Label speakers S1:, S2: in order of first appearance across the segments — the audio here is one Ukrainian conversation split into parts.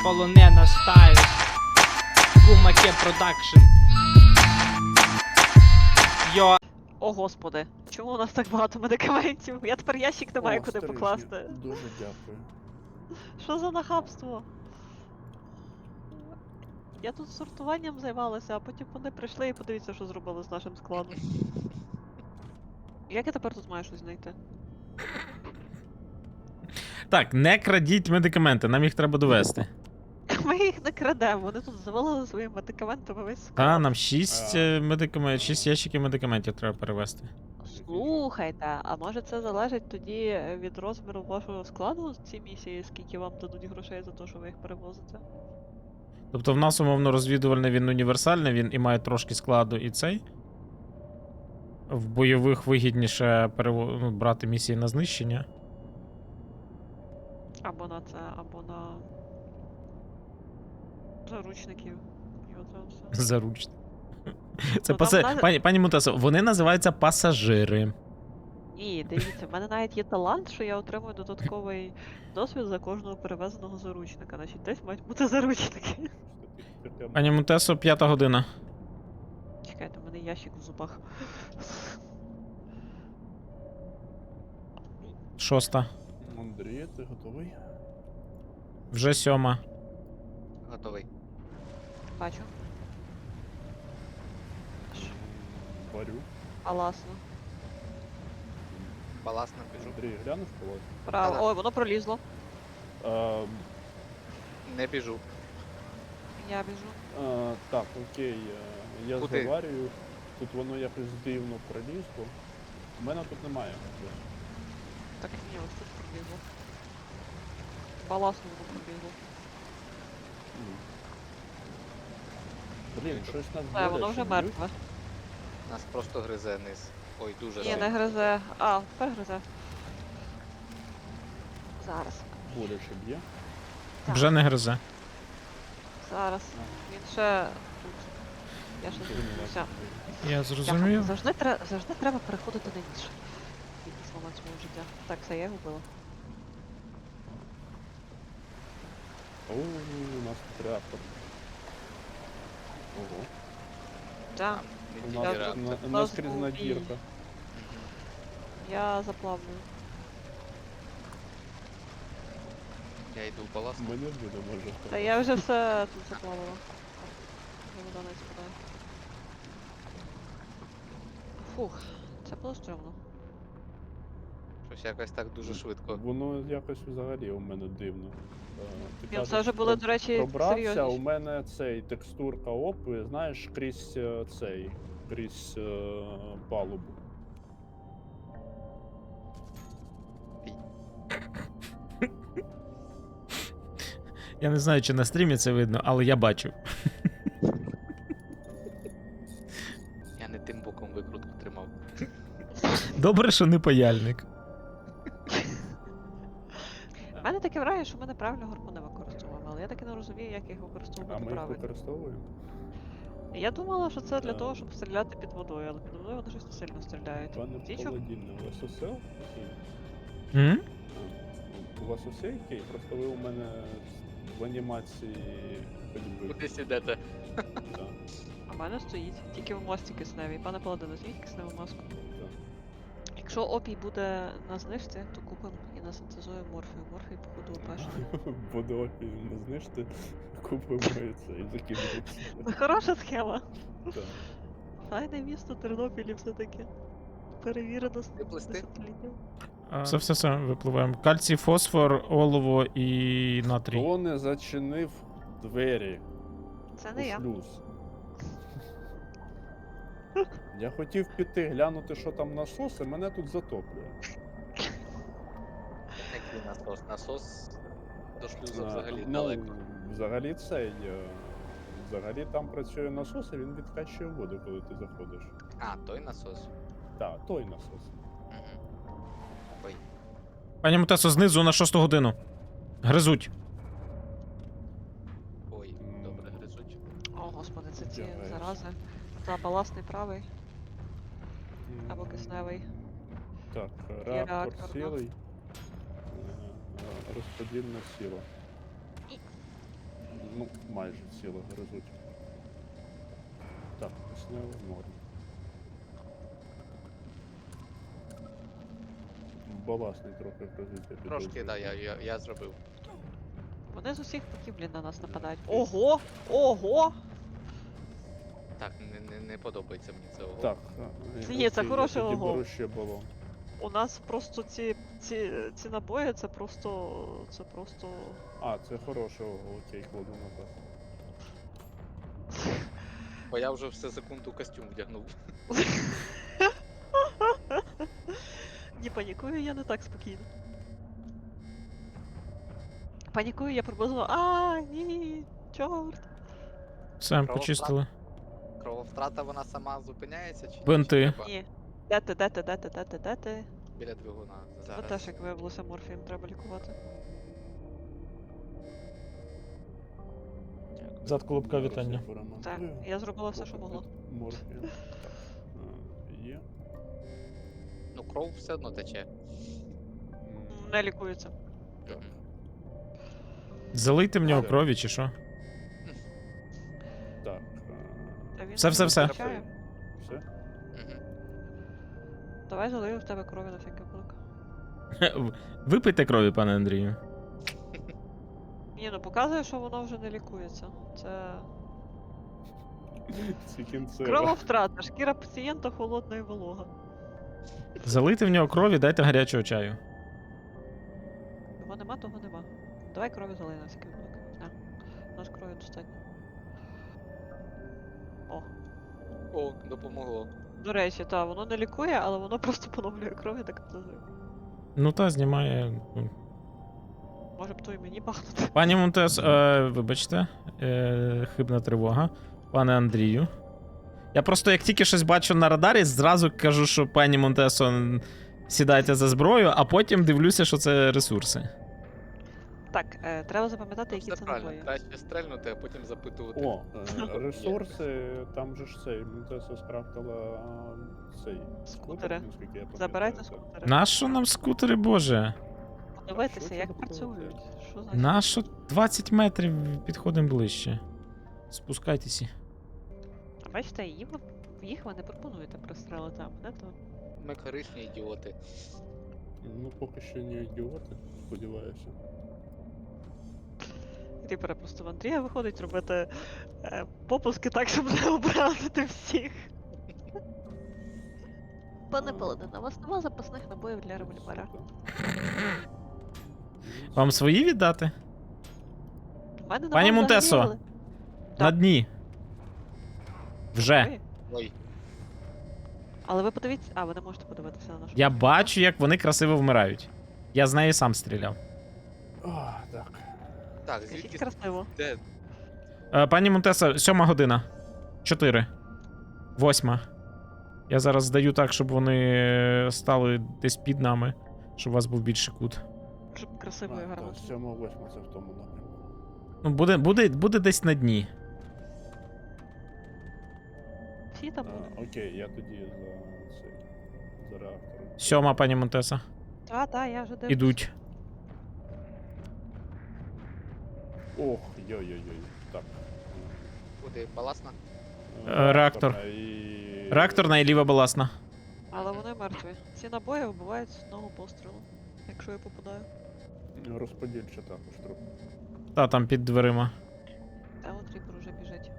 S1: полонена стайл. Кумаке продакшн. Йо.
S2: О господи, чому у нас так багато медикаментів? Я тепер ящик не маю
S3: О,
S2: куди
S3: стрижня.
S2: покласти.
S3: Дуже дякую.
S2: Що за нахабство? Я тут сортуванням займалася, а потім вони прийшли і подивіться, що зробили з нашим складом. Як я тепер тут маю щось знайти?
S4: Так, не крадіть медикаменти, нам їх треба довести.
S2: Ми їх не крадемо, вони тут завалили своїми медикаментами весь склад.
S4: Та, нам 6 6 ящиків медикаментів треба перевести.
S2: Слухайте, а може це залежить тоді від розміру вашого складу ці місії, скільки вам дадуть грошей за те, що ви їх перевозите?
S4: Тобто в нас, умовно, розвідувальний, він універсальний, він і має трошки складу і цей. В бойових вигідніше брати місії на знищення.
S2: Або на це, або на заручників. І оце все.
S4: Заручно. Це
S2: Ну, там
S4: пані Мутесо, вони називаються пасажири.
S2: Ні, дивіться, в мене навіть є талант, що я отримую додатковий досвід за кожного перевезеного заручника. Значить, десь мають бути заручники.
S4: Пані Мутесо, 5-та година.
S2: Чекайте, в мене ящик в зубах.
S4: 6-та.
S3: Андрій, ти готовий?
S4: Вже 7-ма.
S5: Готовий.
S2: Бачу.
S3: Варю.
S2: Аласно.
S5: Баласно біжу.
S3: Андрій, глянеш коло?
S2: Право.
S5: Ага.
S2: Ой, воно пролізло.
S5: Не біжу.
S2: Я біжу.
S3: Так, окей. Я
S5: Куди?
S3: заварюю. Тут воно якось дивно пролізло. У мене тут немає.
S2: Так, ні, ось тут пролізло. Баласно воно пролізло.
S3: Блін, щось нас
S2: Все, воно
S3: боляче
S2: вже
S3: б'ють.
S2: мертве.
S5: Нас просто гризе низ. Ой, дуже
S2: Ні,
S5: сильно.
S2: не гризе. А, тепер гризе. Зараз.
S3: Боляче б'є.
S2: Так.
S4: Вже не гризе.
S2: Зараз. Він ще тут. Я ще
S3: Блін,
S2: зупинюся.
S4: Я зрозумів.
S2: Завжди треба переходити на інший. Якийсь момент свого життя. Так, все, я його вбила.
S3: О, у нас тут реактор. Ого.
S2: Так,
S3: У
S5: Він
S3: нас
S2: Я
S5: реактор.
S2: тут-
S3: наскрізна
S2: бій.
S3: дірка.
S2: я заплавлю.
S5: Я йду в баласт.
S3: Ми не будемо вже.
S2: Та я вже все тут заплавила. Вода не спадає. Фух, це було стрьомно.
S5: Щось якось так дуже швидко.
S3: Воно якось взагалі у мене дивно. Ти
S2: Ні,
S3: кажеш,
S2: це вже були, до речі,
S3: пробрався,
S2: серйозні.
S3: у мене цей текстурка опи, знаєш, крізь крізь палубу.
S4: Я не знаю, чи на стрімі це видно, але я бачу.
S5: Я не тим боком викрутку тримав.
S4: Добре, що не паяльник.
S2: У мене таке враження, що ми неправильно гарпуни використовуємо, але я таки не розумію, як їх
S3: А
S2: використовувати
S3: ми їх
S2: правильно.
S3: використовуємо?
S2: Я думала, що це для того, щоб стріляти під водою, але під водою вони щось не сильно стріляють.
S3: Пане
S2: Ті, що-
S3: Паладіне, у вас усе окей?
S4: М?
S3: У вас усе окей? Просто ви у мене в анімації ходьби.
S5: Кудись ідете.
S3: Да,
S2: А в мене стоїть, тільки в масці кисневій. Пане Паладине, зніміть кисневу маску.
S3: да.
S2: Якщо опій буде на знижці, то купимо і насинтезуємо морфію. Морфій, походу, опешний.
S3: Буде опій, не знижте, купимо і це, і закидується.
S2: Ну, хороша схема.
S3: Так.
S2: Файне місто Тернопіль все-таки. Перевірено з
S5: Виплисти?
S2: десятиліттям.
S4: Все, випливаємо. Кальцій, фосфор, олово і натрій.
S3: Хто не зачинив двері
S2: Це
S3: у
S2: не я.
S3: шлюз? Я хотів піти глянути, що там насос, і мене тут затоплює.
S5: Який насос? Насос до шлюзу взагалі
S3: Ну,
S5: далеко.
S3: взагалі взагалі там працює насос, і він відкачує воду, коли ти заходиш.
S5: А, той насос.
S3: Так, той насос.
S5: Угу. Ой.
S4: Пані Мутесо, знизу на 6-ту годину. Гризуть.
S5: Ой, добре гризуть.
S2: О, господи, це ці
S3: Тягаєш.
S2: зарази. Та баласний правий або кисневий.
S3: Так,
S2: реактор,
S3: реактор
S2: да.
S3: сілий. Розподільна сила. майже ціле гризуть. Так, кисневе норм. Баласний трохи гризуть, я
S5: Трошки,
S3: підозрюю.
S5: да, я зробив.
S2: Вони з усіх боків, блін, на нас нападають. Ого! Ого!
S5: Так, не подобається мені це. Ого.
S3: Так,
S2: Ні, це
S3: окей,
S2: хороше
S3: я тоді
S2: ого.
S3: беру ще балон.
S2: У нас просто ці набої, це просто...
S3: А, це хороше ого, окей, кладу назад.
S5: Бо я вже все секунду костюм вдягнув.
S2: Ні, панікую я не так спокійно. Панікую я приблизно. Ні, чорт.
S4: Все,
S5: Право,
S4: почистили.
S5: Крововтрата вона сама зупиняється чи ні?
S4: Бинти.
S5: Чи треба
S2: Ні. Де ти?
S5: біля двигуна
S2: Це
S5: зараз.
S2: теж, як виявилося, морфієм треба лікувати.
S4: Зад колобка
S3: Зараз
S4: вітання.
S3: я поремонтую.
S2: Так, я зробила все, що могла.
S3: Морфія. Так, є.
S5: Ну кров все одно тече.
S2: Не лікується.
S3: Так.
S4: Залийте в нього
S3: Все.
S4: крові чи що?
S3: Так.
S2: Та він
S4: Все.
S2: втрачає.
S3: Все?
S5: Мгм.
S2: Давай залию в тебе крові на всякий випадок.
S4: Випийте крові, пане Андрію.
S2: Ні, ну показує, що воно вже не лікується. Це
S3: Ці кінцева.
S2: крововтрата, шкіра пацієнта холодна і волога.
S4: Залийте в нього крові, дайте гарячого чаю.
S2: Того нема, того нема. Давай крові залий на всякий випадок. На. У нас крові достатньо. О.
S5: О, допомогло.
S2: До речі, та, воно не лікує, але воно просто поновлює кров, я так підозрюю.
S4: Ну та знімає.
S2: Може б то і мені бахнути.
S4: Пані Монтес, вибачте, хибна тривога. Пане Андрію. Я просто як тільки щось бачу на радарі, зразу кажу, що пані Монтесо, сідайте за зброю, а потім дивлюся, що це ресурси.
S2: Так, треба запам'ятати, які
S5: Все
S2: це
S5: правильно,
S2: набої.
S5: краще стрельнути, а потім запитувати.
S3: О, ресурси, там же ж цей, Монтеса скрафтила цей
S2: Скутери.
S3: наскільки я пам'ятаю.
S2: Забирайте
S3: так.
S2: скутери.
S4: Нащо нам скутери, боже?
S2: Подивитися,
S3: Що
S2: як
S3: це таке?
S2: працюють. Що значить?
S4: Нащо 20 метрів підходимо ближче? Спускайтеся.
S2: А бачите, їх ви не пропонуєте пристрелити, а мене то.
S5: Ми корисні ідіоти.
S3: Ну, поки що не ідіоти, сподіваюся.
S2: Ріпера просто в Андрія виходить робити попуски так, щоб не образити всіх. Пане Паладин, у вас нема запасних набоїв для револьвера.
S4: Вам свої віддати?
S2: У мене
S4: Пані
S2: нема
S4: Монтесо!
S2: взагалі,
S4: На
S2: Так.
S4: дні. Вже.
S2: Ой,
S5: Ой,
S2: але ви подивіться. А, ви не можете подивитися на нашу.
S4: Я бачу, як вони красиво вмирають. Я з нею сам стріляв.
S3: Так.
S5: так,
S2: Скажіть
S5: звідки
S2: красиво.
S5: де?
S4: Пані Монтеса, 7 година. 4. 8. Я зараз здаю так, щоб вони стали десь під нами, щоб у вас був більший кут.
S2: Щоб красиво і гарно.
S3: 7-8 це в тому напрямку.
S4: Ну, буде десь на дні.
S2: Всі там будуть.
S3: Окей, я тоді за цей. За реактором.
S4: 7, пані Монтеса.
S2: Та, я вже дивлюсь.
S4: Ідуть.
S3: Ох, йой-йой-йой. Так.
S5: Куди? Баласна?
S4: Реактор.
S3: І...
S4: Реакторна і ліва баласна.
S2: Але вони мертві. Ці набої вбивають з одного пострілу, якщо я попадаю.
S3: Розподільча також трохи.
S4: Та там під дверима.
S2: Та от Ріпер уже біжить.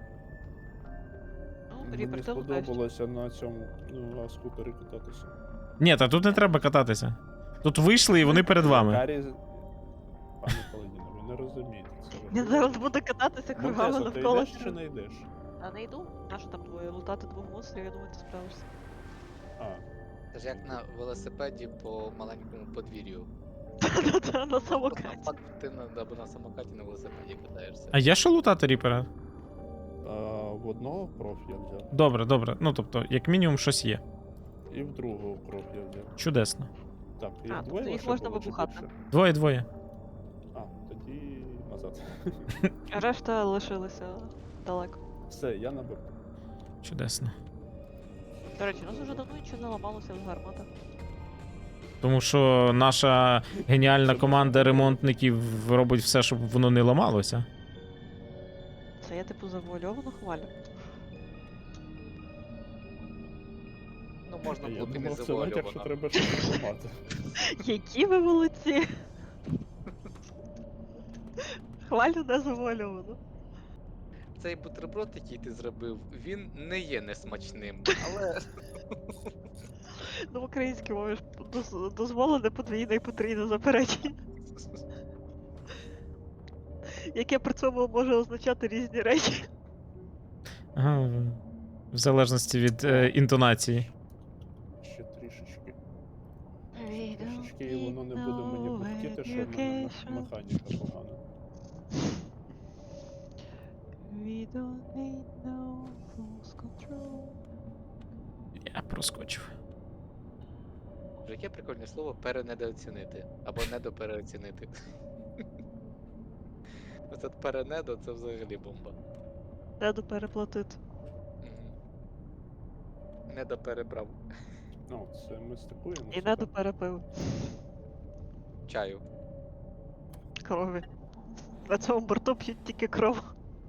S2: Ну,
S3: Мені
S2: Ріпер, ти лутаєш.
S3: сподобалося на цьому скутері кататися.
S4: Ні, та тут не треба кататися. Тут вийшли і вони перед вами.
S3: Карі... Пане Паладіно, ви не розумієте. Це
S2: Він зараз буде кататися кругами
S3: Монтесо, ти
S2: навколо.
S3: йдеш чи не йдеш?
S2: А не йду? Нащо там двоє? Лутати двох монстрів, я думаю, ти справишся.
S3: А,
S5: Це ж як на велосипеді по маленькому подвір'ю.
S2: Та-та-та, на
S5: От
S2: самокаті.
S5: навпаки, ти або на самокаті на велосипеді катаєшся.
S4: А є що лутати Ріпера?
S3: в одного кров я взяв,
S4: Добре. Ну тобто, як мінімум, щось є.
S3: і в другого кров я взяв.
S4: Чудесно.
S3: Так,
S2: А,
S3: їх
S2: тобто
S3: двоє
S2: їх
S3: лише
S2: можна
S3: було чи
S2: вибухати.
S3: більше?
S4: Двоє.
S3: А, тоді назад.
S2: Решта лишилися далеко.
S3: Все, я набив.
S4: Чудесно.
S2: До речі, у нас вже давно нічого не ламалося в гарматах.
S4: Тому що наша геніальна команда ремонтників робить все, щоб воно не ламалося.
S2: Це я типу завуальовано хвалю.
S5: Ну, можна
S3: Я
S5: бути не
S3: думав, це натяк, що
S5: завуальовано.
S3: треба щось ламати.
S2: Які ви молодці! Хвалю не завуальовано.
S5: Цей бутерброд, який ти зробив, він не є несмачним, але
S2: Ну, в українській мові ж дозволене подвійне і потрійне заперечення, яке при цьому може означати різні речі.
S4: Ага, в залежності від інтонації.
S3: Ще трішечки. Трішечки, і воно не буде мені бухтіти, що в мене механіка погана.
S2: We don't need no false control.
S4: Я проскочив.
S5: яке прикольне слово перенедооцінити. Або недопереоцінити. Оце перенедо це взагалі бомба.
S2: Треба переплатити.
S5: Недоперебрав
S3: Ну, це ми стикуємо.
S2: І не доперепив
S5: чаю.
S2: крові. На цьому борту п'ють тільки кров.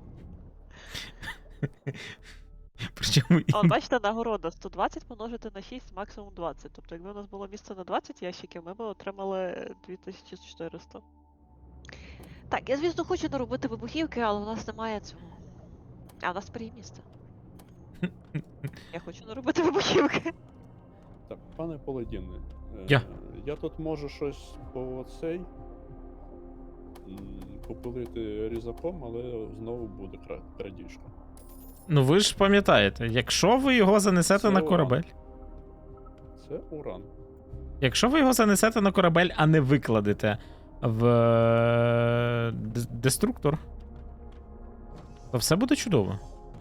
S4: Причому
S2: А от бачите, нагорода 120 помножити на 6, максимум 20. Тобто, якби у нас було місце на 20 ящиків, ми б отримали 2400. Так, я, звісно, хочу наробити вибухівки, але у нас немає цього. А, у нас тепер є місце. Я хочу наробити вибухівки.
S3: Так, пане Паладіне,
S4: Я.
S3: я тут можу щось по цей попилити різаком, але знову буде крадіжка.
S4: Ну ви ж пам'ятаєте, якщо ви його занесете
S3: Це
S4: на
S3: уран.
S4: корабель.
S3: Це уран.
S4: Якщо ви його занесете на корабель, а не викладете в деструктор, то все буде чудово.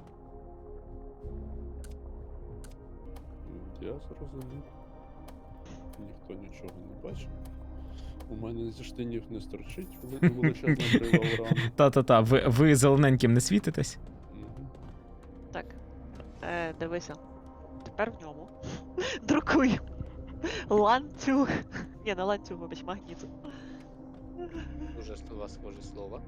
S3: Я зрозумів. Ніхто нічого не бачить. У мене зі штанів не стерчить величезна брива урану.
S4: Та-та-та, ви зелененьким не світитесь.
S3: Мгм.
S2: Так. Дивися. Тепер в ньому. Друкую. Ланцюг. Ні, не ланцюг, вибач, магніт.
S5: Дуже у вас схоже слово.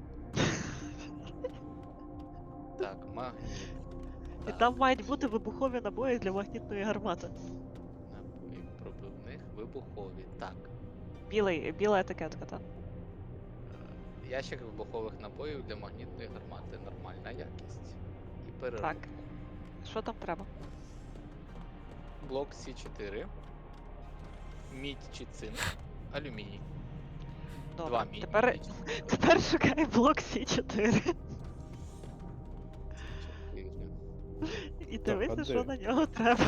S5: Так, магніт.
S2: І
S5: Так,
S2: там мають бути вибухові набої для магнітної гармати.
S5: набої пробивних, вибухові. Так.
S2: Біла етикетка, так?
S5: Ящик вибухових набоїв для магнітної гармати. Нормальна якість. І переробка.
S2: Так. Що там треба?
S5: Блок С4. Мідь чи цинк. Алюміній.
S2: Добре.
S5: Два мідь.
S2: Тепер шукай блок С4. І дивися,
S3: а
S2: що
S3: де?
S2: на нього треба.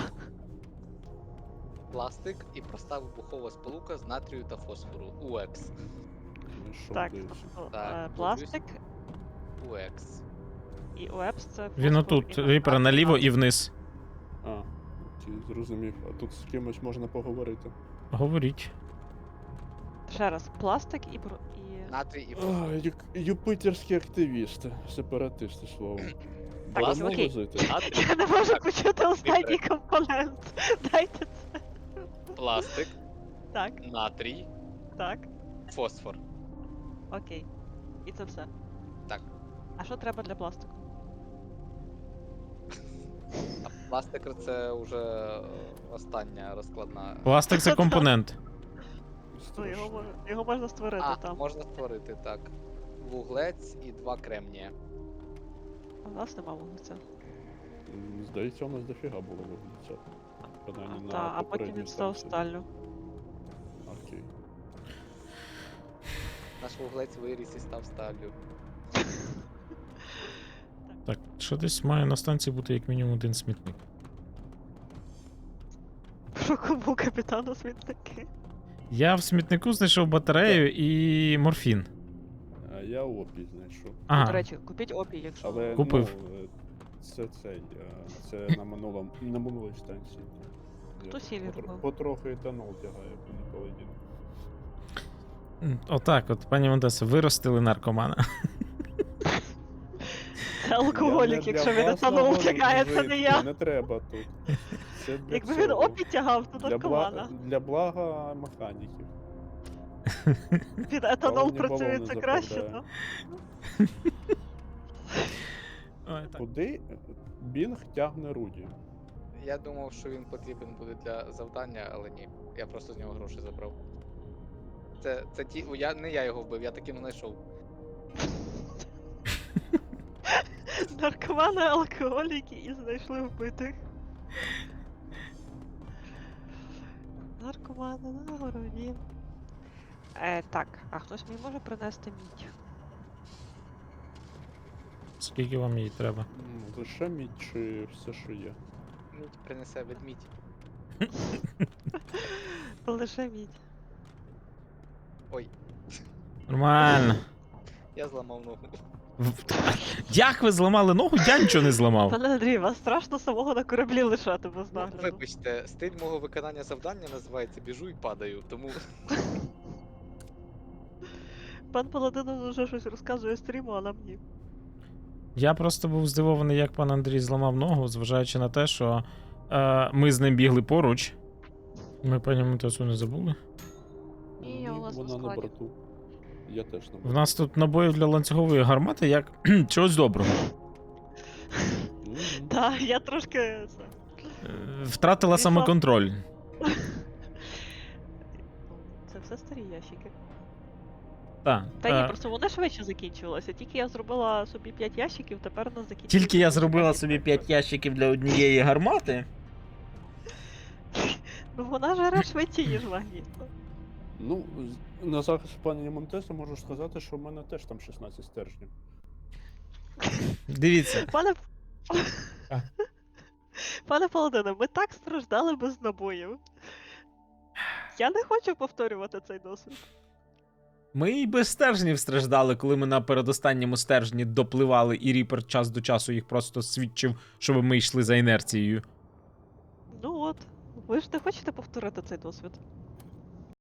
S5: Пластик і проста вибухова сполука з натрію та фосфору. УЕКС.
S3: Ну, що
S2: Так,
S3: дивишся?
S5: Так,
S2: пластик
S5: УЕКС.
S2: і УЕПС це
S4: Він
S2: фосфор
S4: отут,
S2: і
S4: ріпер
S2: натрій.
S4: наліво і вниз.
S3: А, окей, зрозумів. А тут з кимось можна поговорити.
S4: Говоріть.
S2: Ще раз, пластик і
S5: Натрій і фосфор.
S3: Юпитерські активісти, сепаратисти словом.
S2: Так,
S3: Беремо
S2: окей.
S3: возити.
S5: Натрій,
S2: Я не можу
S5: Так,
S2: почути останній
S5: добре.
S2: компонент. Дайте це.
S5: пластик,
S2: Так,
S5: натрій,
S2: так,
S5: фосфор.
S2: окей. І це все.
S5: Так.
S2: А що треба для пластику?
S5: А пластик це вже остання розкладна.
S4: Пластик це компонент.
S2: Ну,
S3: Страшно.
S2: його можна створити
S5: А,
S2: там.
S5: можна створити, так. Вуглець і 2 кремнія.
S2: А в нас нема вуглеця.
S3: Здається, у нас дофіга було виглядця. Принаймні на
S2: Та, а потім
S3: попередній
S2: він став
S3: станції.
S2: сталлю.
S3: Окей.
S5: Наш вуглець виріс і став сталлю.
S4: Так, що десь має на станції бути як мінімум один смітник.
S2: Про кому капітану смітники?
S4: Я в смітнику знайшов батарею і морфін.
S3: А я опій знайшов.
S2: До
S4: Ага.
S2: речі, купіть опій, якщо...
S3: Але
S4: Купив.
S3: ну, це цей. Це на минулій станції.
S2: Хто
S3: Я
S2: сілі робив?
S3: потроху етанол тягає, пане Паладін.
S4: Отак, от, пані Монтесо, виростили наркомана.
S2: Це алкоголік, якщо він етанол тягає, це не я.
S3: Не треба тут. Це для
S2: Якби він
S3: цього.
S2: опій тягав, то наркомана.
S3: Для блага механіків.
S2: Він етанол
S3: Балоні
S2: працює,
S3: балони
S2: це краще,
S3: заправляє.
S2: ну.
S3: Куди Бінг тягне Руді?
S5: Я думав, що він потрібен буде для завдання, але ні. Я просто з нього гроші забрав. Це ті. Не я його вбив, я таки не знайшов.
S2: Наркомани, алкоголіки і знайшли вбитих. Наркомани на городі. Так, а хтось мені може принести мідь?
S4: Скільки вам її треба?
S3: Лише мідь чи все, що є?
S5: Мідь принесе ведмідь.
S2: Лише мідь.
S5: Ой,
S4: Нормально.
S5: я зламав ногу.
S4: Як ви зламали ногу? Я нічого не зламав.
S2: Пане Андрій, вас страшно самого на кораблі лишати без
S5: Ну,
S2: нагляду.
S5: вибачте, стиль мого виконання завдання називається біжу і падаю, тому
S2: Пан Паладин вже щось розказує стріму, а нам ні.
S4: Я просто був здивований, як пан Андрій зламав ногу, зважаючи на те, що ми з ним бігли поруч. Ми пані Монтесу не забули.
S2: Ні, у вас на
S3: вона на
S2: складі.
S3: борту. Я теж на
S4: В
S3: борту.
S4: нас тут набоїв для ланцюгової гармати як чогось доброго.
S3: Мгм.
S2: Так, я трошки це.
S4: Втратила
S2: Пішла.
S4: самоконтроль.
S2: Це все старі ящики.
S4: Так.
S2: Та ні, просто вони швидше закінчувалися. Тільки я зробила собі 5 ящиків, тепер у нас закінчується.
S4: Тільки я зробила собі 5 ящиків для однієї гармати.
S2: Ну вона жере швидше, ніж магнітно.
S3: Ну, на захист пані Монтеса можу сказати, що в мене теж там 16 стержнів.
S4: Дивіться.
S2: Пане.
S4: А.
S2: Пане Паладине, ми так страждали без набоїв. Я не хочу повторювати цей досвід.
S4: Ми і без стержнів страждали, коли ми на передостанньому стержні допливали, і Ріпер час до часу їх просто свідчив, щоб ми йшли за інерцією.
S2: Ну от, ви ж не хочете повторити цей досвід.